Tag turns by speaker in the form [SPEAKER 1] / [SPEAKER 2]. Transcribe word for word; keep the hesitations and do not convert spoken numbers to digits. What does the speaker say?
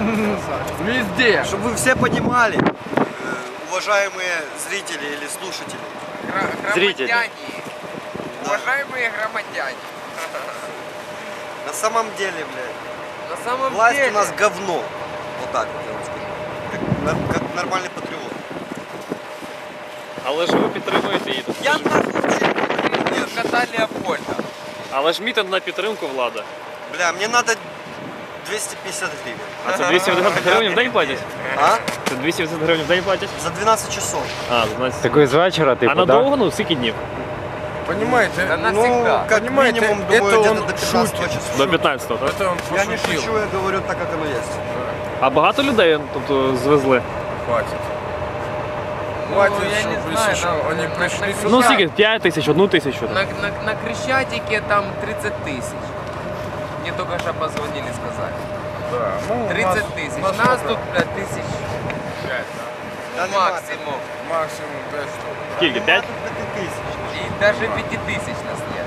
[SPEAKER 1] Везде.
[SPEAKER 2] Чтобы вы все понимали, уважаемые зрители или слушатели.
[SPEAKER 3] Зрители.
[SPEAKER 1] Уважаемые громадяне.
[SPEAKER 2] На самом деле, блядь,
[SPEAKER 1] На самом
[SPEAKER 2] власть
[SPEAKER 1] деле...
[SPEAKER 2] у нас говно. Вот так вот я вам скажу. Как, как нормальный патриот.
[SPEAKER 3] Але ж ви підтримуєте її.
[SPEAKER 1] Я нахуй кота Леопольда.
[SPEAKER 3] Але ж мітинг на підтримку влада.
[SPEAKER 2] Бля, мне надо двести пятьдесят гривен.
[SPEAKER 3] А це двісті вісімдесят гривень в день платять?
[SPEAKER 2] А?
[SPEAKER 3] Це двісті вісімдесят гривень в день платять?
[SPEAKER 2] За двенадцать часов.
[SPEAKER 3] А, за дванадцять.
[SPEAKER 4] Такої з вечора, типу,
[SPEAKER 3] А надовго, ну, скільки днів?
[SPEAKER 1] Понимаете? Да
[SPEAKER 2] Ну,
[SPEAKER 1] навсегда.
[SPEAKER 2] как
[SPEAKER 1] Понимаете,
[SPEAKER 2] минимум, думаю,
[SPEAKER 1] это
[SPEAKER 2] где-то
[SPEAKER 1] он
[SPEAKER 2] до пятнадцатого
[SPEAKER 1] шутит.
[SPEAKER 2] числа.
[SPEAKER 3] До п'ятнадцятого, так?
[SPEAKER 1] Это он
[SPEAKER 2] Я не
[SPEAKER 1] пошутил.
[SPEAKER 2] шучу, я говорю так, как оно есть.
[SPEAKER 3] А багато людей, тобто, звезли?
[SPEAKER 1] Хватит.
[SPEAKER 5] Ну,
[SPEAKER 1] Хватит,
[SPEAKER 5] я не
[SPEAKER 1] чтобы
[SPEAKER 5] знаю,
[SPEAKER 1] если
[SPEAKER 5] на-
[SPEAKER 1] что, они
[SPEAKER 5] на-
[SPEAKER 1] пришли
[SPEAKER 5] на-
[SPEAKER 1] сюда.
[SPEAKER 3] Ну, скільки? п'ять тисяч, одну тисячу.
[SPEAKER 5] На, на, на Крещатике там тридцать тысяч. Мне только что позвонили, сказали.
[SPEAKER 1] Да, ну,
[SPEAKER 5] тридцать тысяч.
[SPEAKER 1] нас
[SPEAKER 5] Нас
[SPEAKER 1] сколько?
[SPEAKER 5] тут, блядь, тысяч
[SPEAKER 1] Пять, да.
[SPEAKER 2] Да нема
[SPEAKER 5] максимум.
[SPEAKER 1] Максимум пять штук.
[SPEAKER 3] Скільки? п'ять?
[SPEAKER 2] Пять тысяч.
[SPEAKER 5] И даже пяти тысяч нас нет.